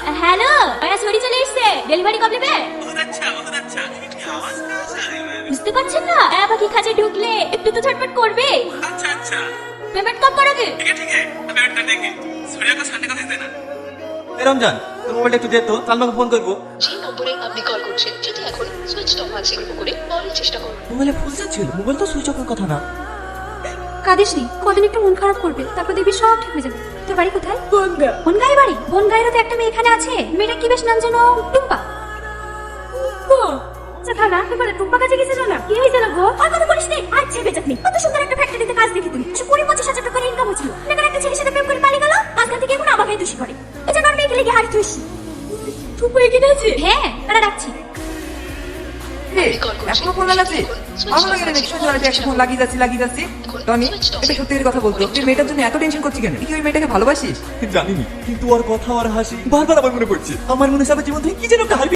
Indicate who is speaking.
Speaker 1: Hello, মেরা ছড়ি চলে এসেছে। ডেলিভারি কবে নেবে?
Speaker 2: बहुत अच्छा लेकिन आवाज कहाँ से आ रही है?
Speaker 1: বুঝতে পারছেন না? পাখি খাঁচে ঢুকলে একটু তো ঝটপট করবে।
Speaker 2: अच्छा
Speaker 1: পেমেন্ট কব করাবে?
Speaker 2: ठीक है अब पेमेंट कर देंगे। सूर्या को संडे को दे देना।
Speaker 3: এ রমজান, তোর মোবাইলটা একটু দে তো, সালমাকে ফোন করবো।
Speaker 4: যে নম্বরে আপনি কল করছেন যদি এখন সুইচ অফ আছে করে পরের চেষ্টা করুন।
Speaker 3: মোবাইলে ফোন ছিল, মোবাইল তো সুইচ অফের কথা না।
Speaker 5: কাঁদিস নি, কদিন একটু মন খারাপ করবে, তারপর দেখবি সব ঠিক হয়ে যাবে। তোর বাড়ি কোথায়? বনগাঁয়ের বাড়ি। বনগাঁয়েরও তো একটা মেয়ে এখানে আছে। মেয়েটা কি বেশ নাম যেন? টুম্পা। আচ্ছা থানা, এবারে টুম্পা কাছে গেছে না? কি হয়েছে না গো? আর কথা বলিস নে। আচ্ছা বেজাতনি, কত সুন্দর একটা ফ্যাক্টরিতে কাজ দেখি তুমি। 20-25 হাজার টাকা ইনকাম হচ্ছিল। এখন একটা ছেলের সাথে প্রেম করে পালিয়ে গেল। আজকাল থেকে এখন আমাকে দোষী করে। এই জন্য আর মেয়েকে লেগে হারিয়ে তুইস। টুম্পা এখানে আছে? হ্যাঁ, তারা ডাকছি।
Speaker 6: এখনো ফোন লাগাচ্ছি? ভালো লাগে না দেখছি একটা ফোন লাগিয়ে যাচ্ছি। টনি, এটা সত্যি কথা বলতো, তুই মেয়েটার জন্য এত টেনশন করছিস কেন? তুই কি ওই মেয়েটাকে ভালোবাসিস?
Speaker 3: জানিনি, কিন্তু ওর কথা আর হাসি বারবার আমার মনে পড়ছে। আমার মনে হচ্ছে আমার জীবন থেকে কি যেন একটা